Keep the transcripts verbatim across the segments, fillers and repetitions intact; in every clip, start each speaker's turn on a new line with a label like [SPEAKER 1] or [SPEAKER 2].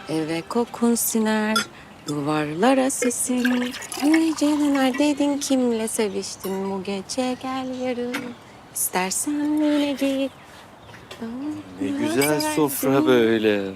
[SPEAKER 1] Eve kokun siner, duvarlara sesin. Gece neredeydin, kimle seviştin bu gece, gel yarın. İstersen yine git.
[SPEAKER 2] Ne güzel sofra böyle.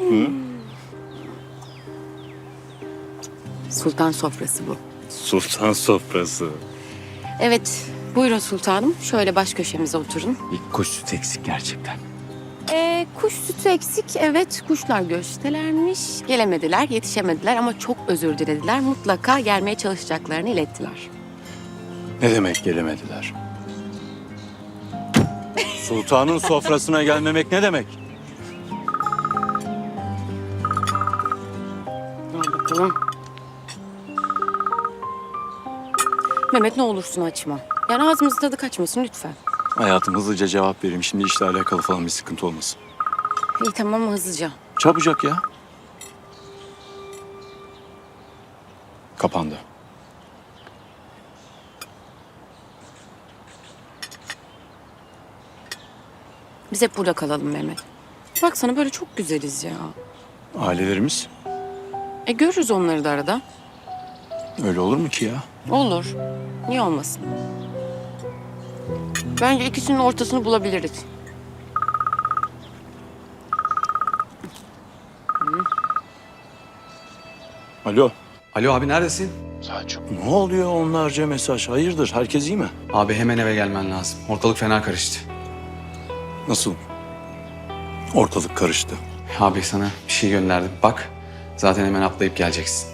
[SPEAKER 1] Sultan sofrası bu.
[SPEAKER 2] Sultan sofrası.
[SPEAKER 1] Evet, buyurun sultanım. Şöyle baş köşemize oturun.
[SPEAKER 2] Bir kuş sütü eksik gerçekten.
[SPEAKER 1] Ee, kuş sütü eksik. Evet, kuşlar göçtelermiş. Gelemediler, yetişemediler ama çok özür dilediler. Mutlaka gelmeye çalışacaklarını ilettiler.
[SPEAKER 2] Ne demek gelemediler? Sultanın sofrasına gelmemek ne demek?
[SPEAKER 1] Al bakalım. Mehmet ne olursun açma. Yani ağzımızın tadı kaçmasın lütfen.
[SPEAKER 2] Hayatım hızlıca cevap vereyim. Şimdi işle alakalı falan bir sıkıntı olmasın.
[SPEAKER 1] İyi tamam hızlıca.
[SPEAKER 2] Çabucak ya. Kapandı.
[SPEAKER 1] Biz hep burada kalalım Mehmet. Baksana böyle çok güzeliz ya.
[SPEAKER 2] Ailelerimiz
[SPEAKER 1] E görürüz onları da arada.
[SPEAKER 2] öyle olur mu ki ya?
[SPEAKER 1] Olur. Niye olmasın? Bence ikisinin ortasını bulabiliriz.
[SPEAKER 2] Alo.
[SPEAKER 3] Alo abi neredesin?
[SPEAKER 2] Selçuk. Ne oluyor onlarca mesaj? Hayırdır? Herkes iyi mi?
[SPEAKER 3] Abi hemen eve gelmen lazım. Ortalık fena karıştı.
[SPEAKER 2] Nasıl? Ortalık karıştı.
[SPEAKER 3] Abi sana bir şey gönderdim. Bak zaten hemen atlayıp geleceksin.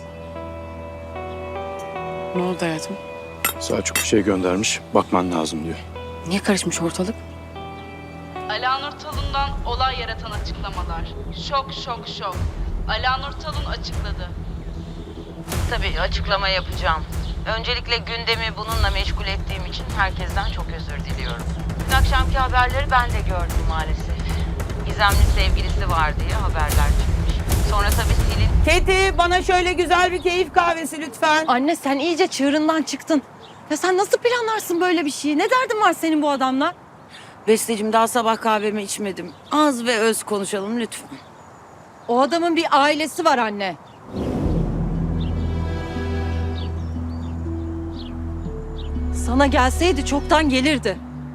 [SPEAKER 1] Ne oldu hayatım?
[SPEAKER 2] Selçuk bir şey göndermiş. Bakman lazım diyor.
[SPEAKER 1] Niye karışmış ortalık?
[SPEAKER 4] Alanur Talun'dan olay yaratan açıklamalar. Şok şok şok. Alanur Talun açıkladı.
[SPEAKER 5] Tabii açıklama yapacağım. Öncelikle gündemi bununla meşgul ettiğim için herkesten çok özür diliyorum. Dün akşamki haberleri ben de gördüm maalesef. Gizemli sevgilisi var diye haberler çıkmış. Sonra tabii Selin...
[SPEAKER 6] Keti bana şöyle güzel bir keyif kahvesi lütfen.
[SPEAKER 7] Anne sen iyice çığırından çıktın. Ya sen nasıl planlarsın böyle bir şeyi? Ne derdin var senin bu adamla?
[SPEAKER 6] Besteciğim daha sabah kahvemi içmedim. Az ve öz konuşalım lütfen.
[SPEAKER 7] O adamın bir ailesi var anne. Sana gelseydi çoktan gelirdi.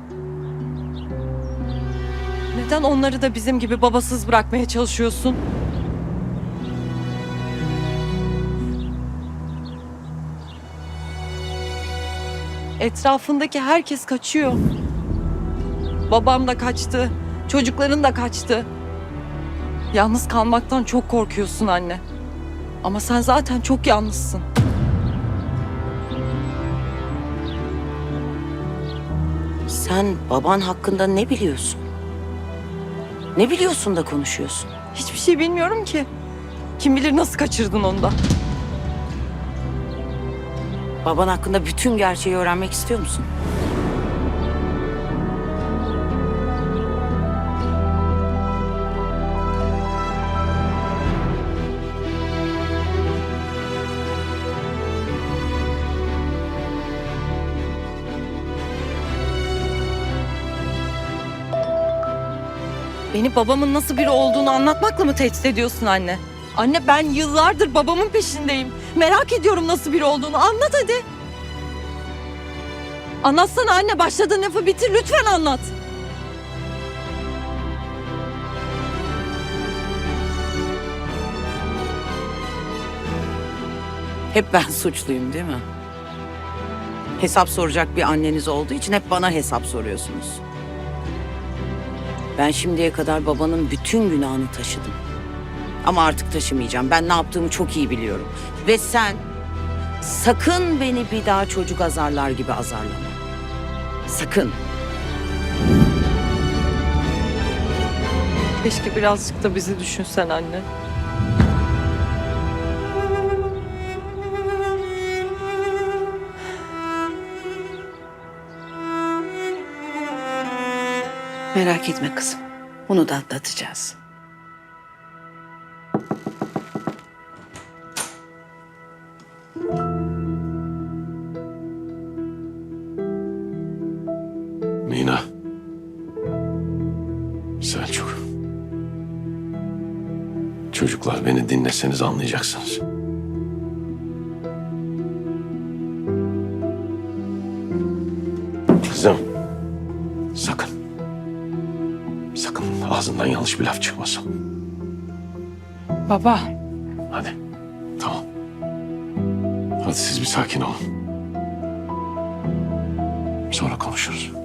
[SPEAKER 7] Neden onları da bizim gibi babasız bırakmaya çalışıyorsun? Etrafındaki herkes kaçıyor. Babam da kaçtı, çocukların da kaçtı. Yalnız kalmaktan çok korkuyorsun anne. Ama sen zaten çok yalnızsın.
[SPEAKER 6] Sen baban hakkında ne biliyorsun? Ne biliyorsun da konuşuyorsun?
[SPEAKER 7] Hiçbir şey bilmiyorum ki. Kim bilir nasıl kaçırdın onu da.
[SPEAKER 6] Baban hakkında bütün gerçeği öğrenmek istiyor musun?
[SPEAKER 7] Beni babamın nasıl biri olduğunu anlatmakla mı tehdit ediyorsun anne? Anne ben yıllardır babamın peşindeyim. Merak ediyorum nasıl biri olduğunu. Anlat hadi. Anlatsana anne. Başladığın lafı bitir. Lütfen anlat.
[SPEAKER 6] Hep ben suçluyum değil mi? Hesap soracak bir anneniz olduğu için hep bana hesap soruyorsunuz. Ben şimdiye kadar babanın bütün günahını taşıdım. Ama artık taşımayacağım. Ben ne yaptığımı çok iyi biliyorum. Ve sen sakın beni bir daha çocuk azarlar gibi azarlama. Sakın.
[SPEAKER 7] Keşke birazcık da bizi düşünsen anne.
[SPEAKER 6] Merak etme kızım. Bunu da atlatacağız.
[SPEAKER 2] Mina. Selçuk. Çok
[SPEAKER 8] çocuklar, beni dinleseniz anlayacaksınız. Kızım, sakın. Sakın ağzından yanlış bir laf çıkmasın.
[SPEAKER 7] Baba.
[SPEAKER 8] Hadi, tamam. Hadi siz bir sakin olun. Sonra konuşuruz.